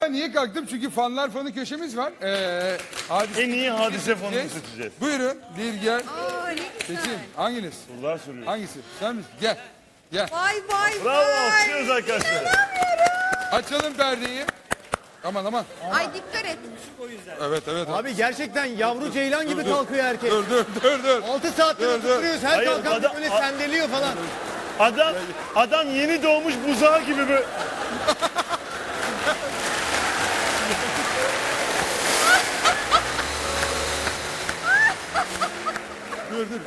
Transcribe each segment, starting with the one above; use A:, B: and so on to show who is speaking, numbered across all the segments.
A: niye kalktım? Çünkü fanlar fanı köşemiz var. Hadise
B: En iyi hadise fonunu seçeceğiz.
A: Buyurun. Dilger.
C: Aa ne güzel.
A: Seçin. Hanginiz?
B: Sorular soruyor.
A: Hangisi? Sen misin? Gel. Gel.
C: Vay vay
B: Bravo,
C: vay.
B: alkışlıyoruz arkadaşlar.
A: Açalım perdeyi. Aman aman.
C: Ay dikkat et.
A: Evet evet.
D: Abi gerçekten yavru ceylan gibi kalkıyor erkek.
A: Dur.
D: 6 saattir
A: Dur, dur.
D: oturuyoruz. Her
B: Hayır,
D: kalkan
B: adam-
D: böyle sendeliyor falan.
B: Adam yeni doğmuş buzağı gibi böyle.
A: Dur.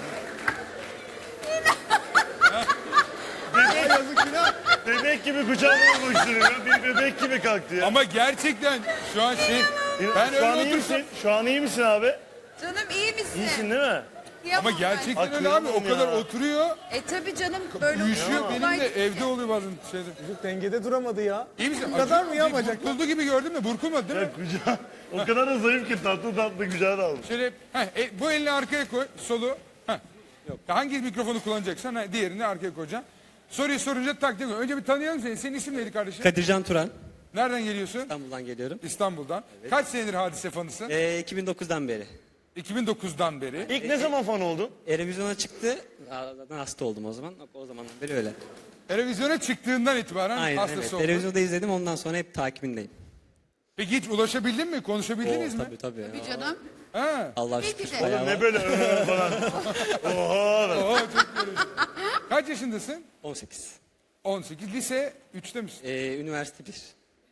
D: Yazık günah.
B: Bebek gibi kucağına almak istiyorum ya. Bir bebek gibi kalktı ya.
A: Ama gerçekten şu an ben
B: Şu an
A: öyle
B: iyi
A: otursam.
B: misin? Şu an iyi misin abi?
C: Canım iyi misin?
B: İyisin değil mi?
C: Kıyamam
A: Ama gerçekten
C: ben.
A: öyle abi. O
B: Akıllı
A: kadar
B: ya.
A: oturuyor.
C: Tabii canım böyle
A: Uyuşuyor.
C: olmaz.
A: Benim de evde oluyor bazen şeyde.
D: Çocuk dengede duramadı ya.
A: İyi misin?
D: Bu kadar mı ya
A: Acı-
D: bacaklar?
A: Burkuldu gibi gördün mü? Burkulmadı değil mi?
B: Ya kucağı o kadar da zayıf ki tatlı kucağına almış.
A: Şöyle bu elini arkaya koy. Solu. Yok. Hangi mikrofonu kullanacaksan diğerini arkaya koyacaksın. Soruyu sorunca takdim koy. Önce bir tanıyalım seni. Senin isim neydi kardeşim?
E: Kadircan Turan.
A: Nereden geliyorsun?
E: İstanbul'dan geliyorum.
A: İstanbul'dan. Kaç senedir hadise fanısın?
E: 2009'dan beri.
A: 2009'dan beri.
B: İlk ne zaman fan oldun?
E: Erevizyona çıktı. Zaten hasta oldum o zaman. O zamandan beri öyle.
A: Televizyona çıktığından itibaren
E: Aynen
A: hastası
E: evet.
A: oldun.
E: Televizyonda izledim ondan sonra hep takibindeyim.
A: Peki hiç ulaşabildin mi? Konuşabildiniz mi?
E: Tabii.
C: Bir canım.
A: Ha.
E: Allah
C: Peki
E: şükür
C: de.
E: bayağı
B: Ne
E: var.
B: böyle falan. Oha.
A: Oo, çok görüyorum. Kaç yaşındasın?
E: 18.
A: 18. Lise 3'te misin?
E: Üniversite 1.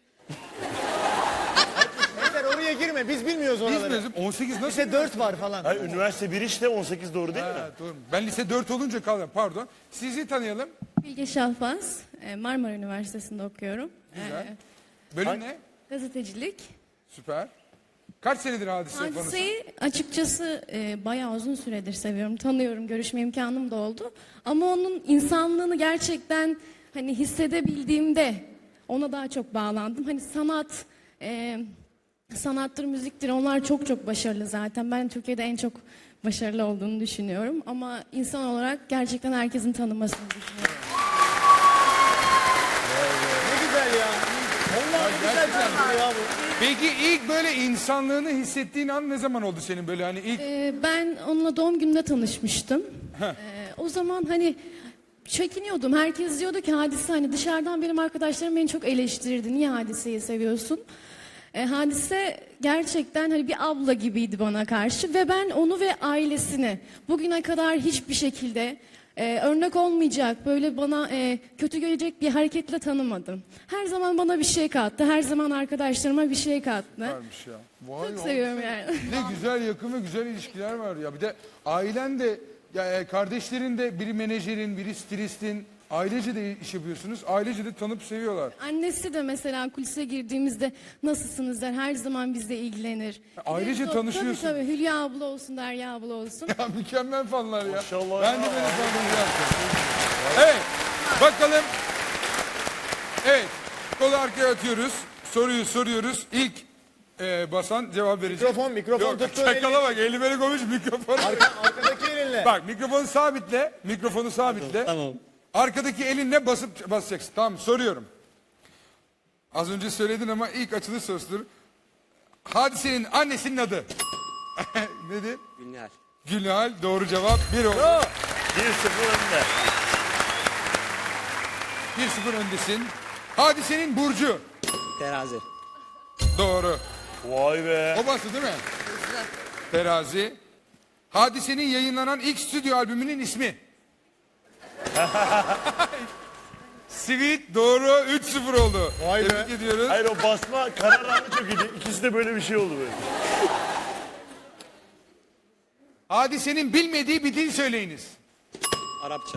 D: Yeter oraya girme. Biz bilmiyoruz oraları.
A: Bilmiyorum. 18 nasıl?
D: Lise 4 var falan.
B: Hayır, üniversite 1 işte 18 doğru değil mi?
A: Ha, doğru. Ben lise 4 olunca kaldım. Pardon. Sizi tanıyalım.
F: Bilge Şahbaz, Marmara Üniversitesi'nde okuyorum.
A: Güzel. Bölüm ne?
F: Gazetecilik.
A: Süper. Kaç senedir hadise fanısın?
F: Hadiseyi açıkçası bayağı uzun süredir seviyorum, tanıyorum, görüşme imkanım da oldu. Ama onun insanlığını gerçekten hani hissedebildiğimde ona daha çok bağlandım. Hani sanattır, müziktir onlar çok başarılı zaten. Ben Türkiye'de en çok başarılı olduğunu düşünüyorum. Ama insan olarak gerçekten herkesin tanımasını düşünüyorum.
D: Ne güzel ya. Vallahi ne güzel çalışıyor ya bu.
A: Peki ilk böyle insanlığını hissettiğin an ne zaman oldu senin böyle hani ilk?
F: Ben onunla doğum gününde tanışmıştım. O zaman hani çekiniyordum. Herkes diyordu ki Hadise hani dışarıdan benim arkadaşlarım beni çok eleştirirdi. Niye Hadise'yi seviyorsun? Hadise gerçekten hani bir abla gibiydi bana karşı ve ben onu ve ailesini bugüne kadar hiçbir şekilde örnek olmayacak, böyle bana kötü gelecek bir hareketle tanımadım. Her zaman bana bir şey kattı, her zaman arkadaşlarıma bir şey kattı.
A: Varmış ya. Vay
F: Çok
A: ya.
F: seviyorum yani.
A: Ne güzel yakın ve güzel ilişkiler var ya. Bir de ailen de ya kardeşlerin de biri menajerin, biri stilistin. Ailece de iş yapıyorsunuz. Ailece de tanıp seviyorlar.
F: Annesi de mesela kulise girdiğimizde nasılsınız der. Her zaman bizle ilgilenir.
A: Ailece
F: Tabii,
A: tanışıyorsun.
F: Tabii Hülya abla olsun, Derya abla olsun.
A: Ya mükemmel fanlar ya.
B: Maşallah
A: Ben de
B: ya.
A: böyle fanlarım yaptım. Evet. Bakalım. Evet. Kolu arkaya atıyoruz. Soruyu soruyoruz. İlk basan cevap verecek.
D: Mikrofon
A: Yok,
D: tuttu.
A: çakala bak. Eli böyle koymuş mikrofon.
D: Arkadaki elinle.
A: Bak mikrofonu sabitle. Mikrofonu sabitle.
E: Tamam.
A: Arkadaki elinle basacaksın. Tamam soruyorum. Az önce söyledin ama ilk açılış sorusudur. Hadise'nin annesinin adı. Nedir?
E: Gülnihal.
A: Gülhal. Doğru cevap. 1 oldu.
B: 1-0 önde.
A: 1-0 öndesin. Hadise'nin burcu.
E: Terazi.
A: Doğru.
B: Vay be.
A: O bastı değil mi? Terazi. Hadise'nin yayınlanan ilk stüdyo albümünün ismi. Sweet doğru 3-0 oldu.
D: Vay be.
A: Tebrik ediyoruz.
B: Hayır o basma karar anı çok iyiydi. İkisi de böyle bir şey oldu böyle.
A: Hadise'nin bilmediği bir dil söyleyiniz.
E: Arapça.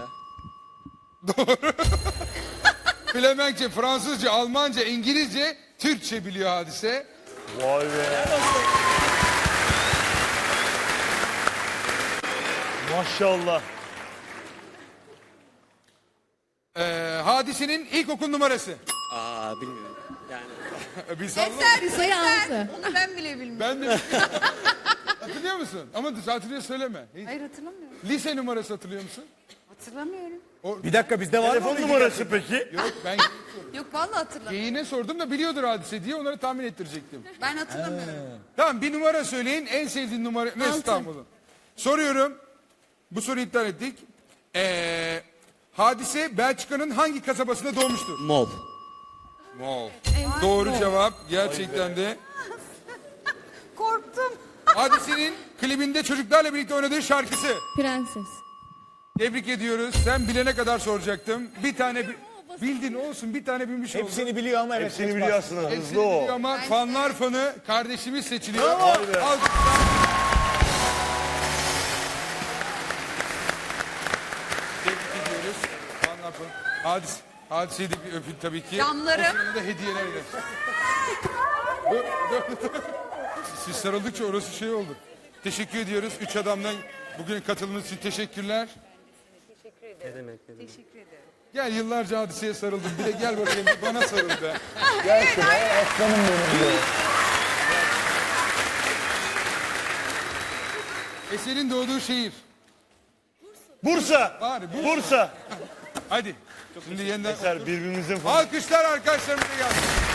A: Flemenkçe, Fransızca, Almanca, İngilizce, Türkçe biliyor Hadise.
B: Vay be. Maşallah.
A: Hadise'nin ilkokul numarası.
E: Bilmiyorum. Yani
A: Bir salla.
C: Eser,
F: Sayı
C: eser.
F: altı.
C: Onu ben bile bilmiyorum.
A: Ben de... Hatırlıyor musun? Ama hatırlıyor söyleme.
C: Hayır hatırlamıyorum.
A: Lise numarası hatırlıyor musun?
C: Hatırlamıyorum.
D: Bir dakika bizde var mı?
B: Telefon numarası peki?
A: Yok ben
C: Yok vallahi hatırlamıyorum.
A: geyine sordum da biliyordur Hadise diye onları tahmin ettirecektim.
C: Ben hatırlamıyorum.
A: Tamam bir numara söyleyin. En sevdiğin numara ne
F: Altı.
A: İstanbul'un? Soruyorum. Bu soruyu iptal ettik. Hadise Belçika'nın hangi kasabasında doğmuştur?
E: Mol.
A: Wow. Doğru cevap. Gerçekten de.
C: Korktum.
A: Hadise'nin klibinde çocuklarla birlikte oynadığı şarkısı.
F: Prenses.
A: Tebrik ediyoruz. Sen bilene kadar soracaktım. Bir tane bildin olsun. Bir tane bilmiş oldun.
D: Hepsini biliyor ama evet.
B: Hepsini
D: geç
B: biliyor
D: bastı.
B: aslında.
A: Hepsini
B: Hızlı o.
A: biliyor ama fanlar fanı kardeşimiz seçiliyor.
B: Bravo.
A: Alkışlar. Tebrik ediyoruz. Fanlar fanı. Hadise'yi de bir öpün tabii ki.
C: Camlarım.
A: O sırada da hediyelerle. Dur. Siz sarıldıkça orası şey oldu. Teşekkür ediyoruz. Üç adamdan bugün katılımınız için teşekkürler.
E: Ne demek?
A: Gel yıllarca Hadise'ye sarıldım. Bir de gel bakayım bana sarıl be.
D: Gel şuraya aslanım benim diyor.
A: Eser'in doğduğu şehir.
B: Bursa.
A: Bari Bursa.
B: Bursa.
A: Hadi. Şimdi yeniden
B: Eser birbirimizin fanı.
A: alkışlar arkadaşlarımıza gelsin.